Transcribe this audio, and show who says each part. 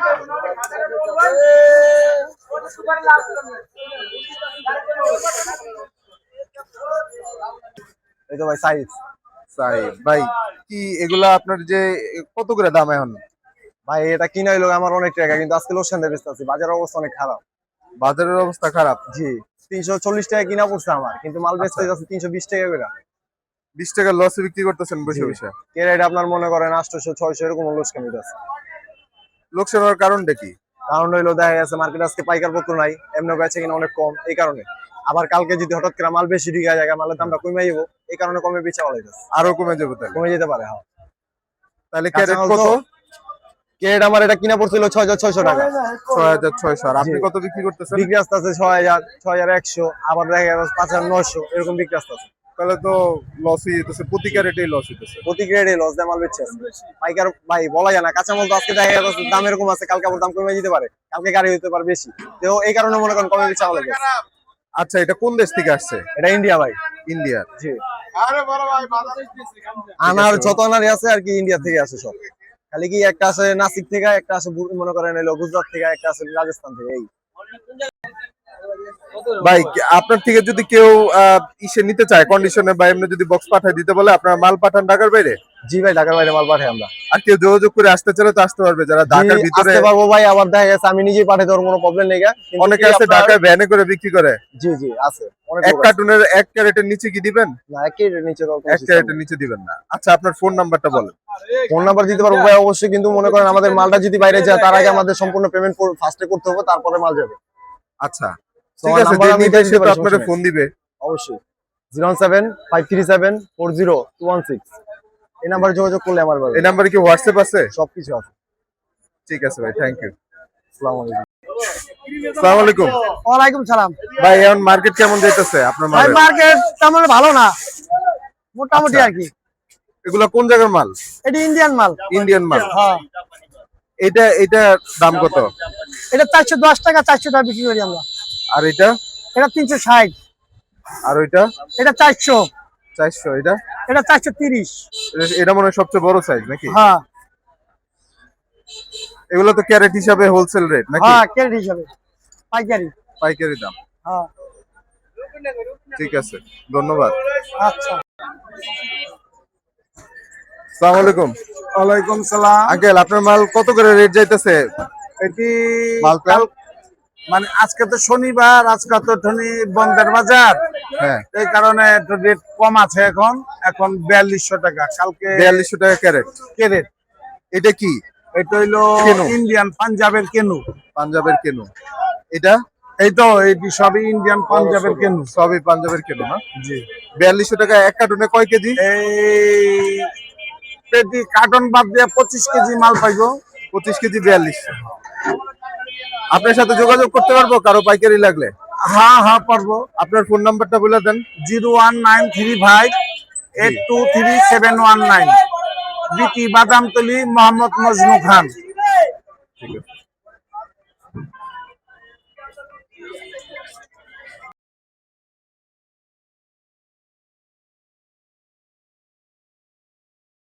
Speaker 1: এই তো ভাই সাইজ
Speaker 2: ভাই কি এগুলা আপনার যে কত করে দাম এখন?
Speaker 1: ভাই এটা কিনা হইলো আমার অনেক টাকা, কিন্তু আজকে লোকসান দিয়ে বেচতেছি, বাজারের অবস্থা অনেক খারাপ।
Speaker 2: বাজারের অবস্থা খারাপ?
Speaker 1: জি, 340 টাকা কিনা পড়ছে আমার, কিন্তু মাল বেচতে যাচ্ছে 320 টাকা করে।
Speaker 2: 20 টাকা লসে বিক্রি করতেছেন বসে বসে?
Speaker 1: কেরেট আপনার মনে করেন 800 600 এরকম লোকসান হইতাছে।
Speaker 2: লোকসান হওয়ার কারণটা কি?
Speaker 1: কারণ হইলো দেখা গেছে মার্কেট আজকে পাইকার পত্র নাই, এমনি বেচে কিনা অনেক কম, এই কারণে। আবার কালকে যদি হঠাৎ করে মাল বেশি ঢুকে যায়, মালের দামটা কমে যাবো, এই কারণে কমে বেচা বলা যাচ্ছে।
Speaker 2: আরো কমে যাবে? তাহলে
Speaker 1: কমে যেতে পারে। হ্যাঁ,
Speaker 2: তাহলে ক্যারেট কত?
Speaker 1: ক্যারেট আমার এটা কিনা পড়ছিল 6600 টাকা।
Speaker 2: 6600। আর আপনি কত বিক্রি করতেছেন?
Speaker 1: বিক্রি আসতেছে 6000 6100, আবার দেখা যাচ্ছে 5900 এরকম বিক্রি আসতেছে।
Speaker 2: তাহলে তো লসই হইতেছে, প্রতি ক্যারেটেই লস হইতেছে।
Speaker 1: প্রতি ক্যারেটে লস দিয়ে মাল বেচছে পাইকার। ভাই বলা যায় না, কাঁচামাল তো আজকে দেখা যাচ্ছে দাম এরকম আছে, কালকে আবার দাম কমে যেতে পারে, কালকে গাড়ি হতে পারে বেশি, তো এই কারণে মনে করেন কমে বেচা বলা যায়।
Speaker 2: আচ্ছা, এটা কোন দেশ থেকে আসছে?
Speaker 1: এটা ইন্ডিয়া ভাই।
Speaker 2: ইন্ডিয়া?
Speaker 1: জি। আনার যত আনারই আছে আর কি ইন্ডিয়া থেকে আসে সব। খালি কি একটা আছে নাসিক থেকে, একটা আছে মনে করেন এলো গুজরাট থেকে, একটা আছে রাজস্থান থেকে। এই
Speaker 2: ভাই আপনার থেকে যদি কেউ ইসে নিতে চায় কন্ডিশনে বা এমনি যদি বক্স পাঠায় দিতে বলে, আপনার মাল পাঠান ঢাকার বাইরে?
Speaker 1: জি ভাই, ঢাকার বাইরে মাল পাঠাই আমরা।
Speaker 2: আর কেউ যোগাযোগ করে আসতে চাইলে তো আসতে পারবে, যারা ঢাকার ভিতরে
Speaker 1: আসতে পারবো ভাই। আবার দেখা গেছে আমি নিজেই পাঠাই দেওয়ার কোনো প্রবলেম নেই।
Speaker 2: অনেকে আছে ঢাকায় ভ্যানে করে বিক্রি করে।
Speaker 1: জি জি আছে।
Speaker 2: এক কার্টুনের এক ক্যারেটের নিচে কি দিবেন?
Speaker 1: না, এক ক্যারেটের নিচে
Speaker 2: এক ক্যারেটের নিচে দিবেন না। আচ্ছা, আপনার ফোন নাম্বারটা বলেন।
Speaker 1: ফোন নাম্বার দিতে পারবো ভাই অবশ্যই, কিন্তু মনে করেন আমাদের মালটা যদি বাইরে যায় তার আগে আমাদের সম্পূর্ণ পেমেন্ট ফার্স্টে করতে হবে, তারপরে মাল যাবে।
Speaker 2: আচ্ছা ঠিক আছে, যে নিবে সে তো আপনাদের ফোন দিবে
Speaker 1: অবশ্যই। 07553740216 এই নাম্বারে যোগাযোগ করলে আমার পাবে।
Speaker 2: এই নাম্বারে কি হোয়াটসঅ্যাপ আছে?
Speaker 1: সবকিছু আছে।
Speaker 2: ঠিক আছে ভাই, থ্যাংক ইউ।
Speaker 1: আসসালামু আলাইকুম।
Speaker 2: আসসালামু আলাইকুম।
Speaker 3: ওয়ালাইকুম সালাম।
Speaker 2: ভাই এখন মার্কেট কেমন যাইতেছে আপনার মাল?
Speaker 3: মার্কেট তেমন ভালো না, মোটামুটি আর কি।
Speaker 2: এগুলা কোন জায়গার মাল?
Speaker 3: এটা ইন্ডিয়ান মাল।
Speaker 2: ইন্ডিয়ান মাল?
Speaker 3: হ্যাঁ।
Speaker 2: এটা দাম কত?
Speaker 3: এটা 410 টাকা, 400 টাকা বিক্রি করি আমরা।
Speaker 2: আর এটা?
Speaker 3: এটা 360।
Speaker 2: আর ওইটা?
Speaker 3: এটা 400।
Speaker 2: 400। এটা?
Speaker 3: এটা 430।
Speaker 2: এটা মনে হয় সবচেয়ে বড় সাইজ নাকি?
Speaker 3: হ্যাঁ।
Speaker 2: এগুলো তো ক্যারেট হিসাবে হোলসেল রেট নাকি?
Speaker 3: হ্যাঁ, ক্যারেট হিসাবে পাইকারি।
Speaker 2: পাইকারি দাম?
Speaker 3: হ্যাঁ।
Speaker 2: ঠিক আছে, ধন্যবাদ।
Speaker 3: আচ্ছা।
Speaker 2: আসসালামু আলাইকুম।
Speaker 4: ওয়ালাইকুম সালাম।
Speaker 2: আঙ্কেল, আপনার মাল কত করে রেট যাইতেছে?
Speaker 4: এটি
Speaker 2: মালটা
Speaker 4: মানে আজকে তো শনিবার, আজকে তো বন্ধের বাজার,
Speaker 2: হ্যাঁ,
Speaker 4: এই কারণে একটু রেট কম আছে। এখন 4200 টাকা, কালকে
Speaker 2: 4200 টাকা ক্যারেট।
Speaker 4: ক্যারেট।
Speaker 2: এটা কি?
Speaker 4: এটা হইলো ইন্ডিয়ান পাঞ্জাবের কেনু।
Speaker 2: পাঞ্জাবের কেনু? এটা?
Speaker 4: এই তো এইটি সবই ইন্ডিয়ান পাঞ্জাবের কেনু।
Speaker 2: সবই পাঞ্জাবের কেনু না?
Speaker 4: জি।
Speaker 2: 4200 টাকা। এক কার্টুনে কয় কেজি?
Speaker 4: এই পেটি কার্টন বাদ দিয়ে 25 কেজি মাল পাইবো।
Speaker 2: 25 কেজি 4200। আপনার সাথে যোগাযোগ করতে পারবো কারো পাইকারি লাগলে?
Speaker 4: হ্যাঁ হ্যাঁ পারবো।
Speaker 2: আপনার ফোন নাম্বারটা বলে দেন।
Speaker 4: 01935823719। বিটি বাদামতলি, মোহাম্মদ মজনু খান।